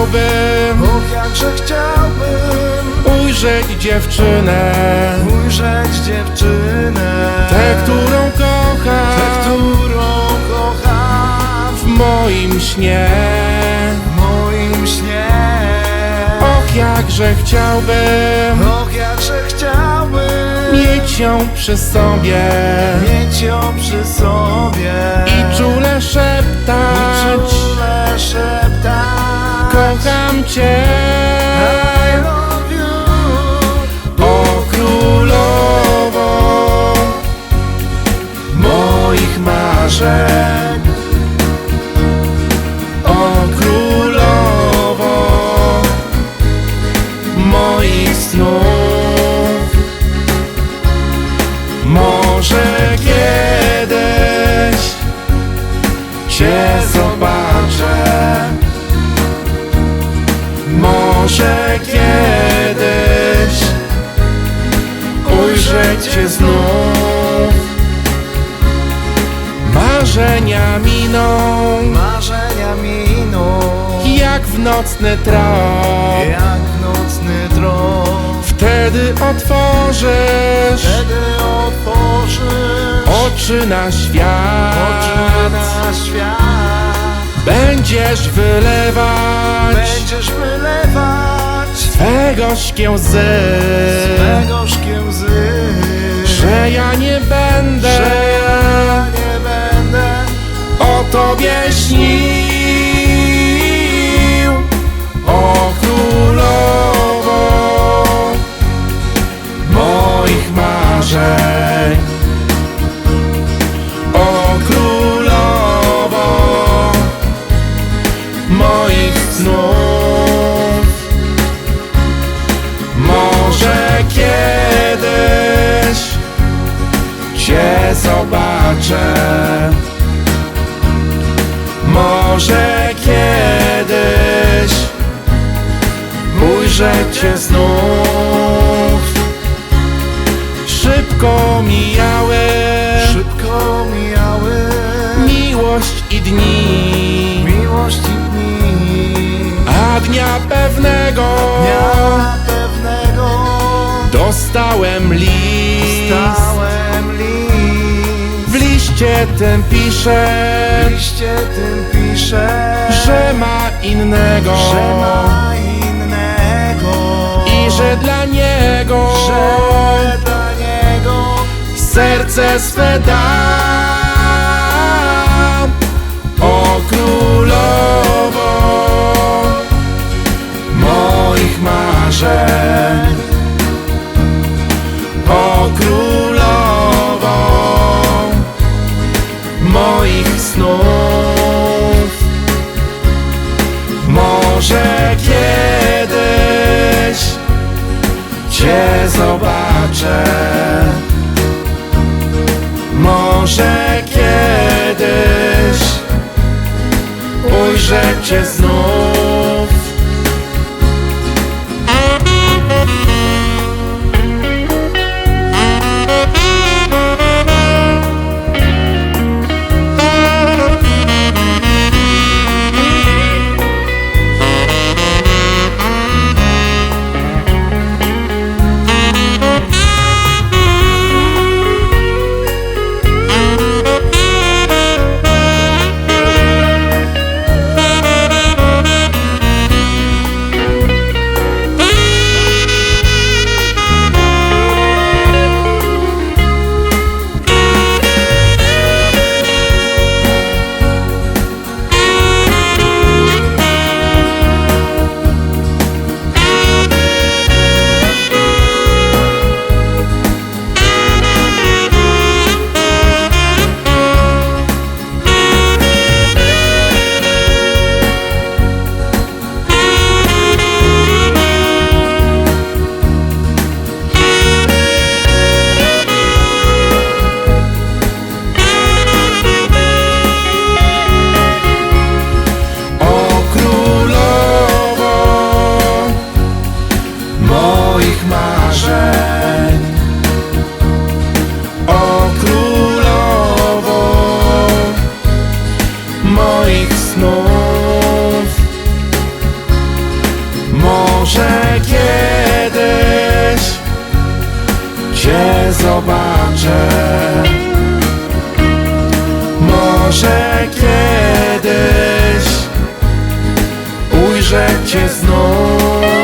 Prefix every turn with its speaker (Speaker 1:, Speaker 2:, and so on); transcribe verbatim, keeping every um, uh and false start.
Speaker 1: chciałbym,
Speaker 2: och jakże chciałbym
Speaker 1: ujrzeć dziewczynę,
Speaker 2: ujrzeć dziewczynę,
Speaker 1: tę, którą kocham,
Speaker 2: tę, którą kocham
Speaker 1: w moim śnie.
Speaker 2: w moim śnie.
Speaker 1: Och, jakże chciałbym
Speaker 2: Och jakże chciałbym
Speaker 1: mieć ją przy sobie
Speaker 2: mieć ją przy sobie
Speaker 1: i czule szeptać,
Speaker 2: czule szeptać
Speaker 1: kocham Cię.
Speaker 2: I love you.
Speaker 1: O królowo moich marzeń, o królowo moich snów. Może kiedyś Cię zobaczę, może kiedyś ujrzę Cię znów. Marzenia miną
Speaker 2: Marzenia miną
Speaker 1: jak w nocny trop,
Speaker 2: jak nocny trop.
Speaker 1: wtedy otworzysz
Speaker 2: Wtedy otworzysz
Speaker 1: oczy na świat,
Speaker 2: oczy na świat.
Speaker 1: będziesz wylewać
Speaker 2: Będziesz wylewać
Speaker 1: swe gorzkie łzy,
Speaker 2: swe gorzkie łzy,
Speaker 1: że ja nie będę,
Speaker 2: że ja nie będę
Speaker 1: o Tobie śnił. O królowo moich marzeń, o królowo moich snów. Może kiedyś Cię zobaczę, może kiedyś ujrzę Cię znów. Szybko mijały,
Speaker 2: szybko mijały
Speaker 1: miłość i dni,
Speaker 2: miłość i dni,
Speaker 1: a dnia pewnego
Speaker 2: dnia pewnego
Speaker 1: dostałem list.
Speaker 2: dostałem list.
Speaker 1: W liście tym pisze,
Speaker 2: W liście tym pisze,
Speaker 1: że ma innego,
Speaker 2: że ma innego
Speaker 1: i że dla niego,
Speaker 2: że dla niego
Speaker 1: serce swe dam. O królowo moich marzeń, o królowo moich snów. Może kiedyś Cię zobaczę, może kiedyś ujrzę Cię znów. zobaczę. Może kiedyś ujrzę Cię znów.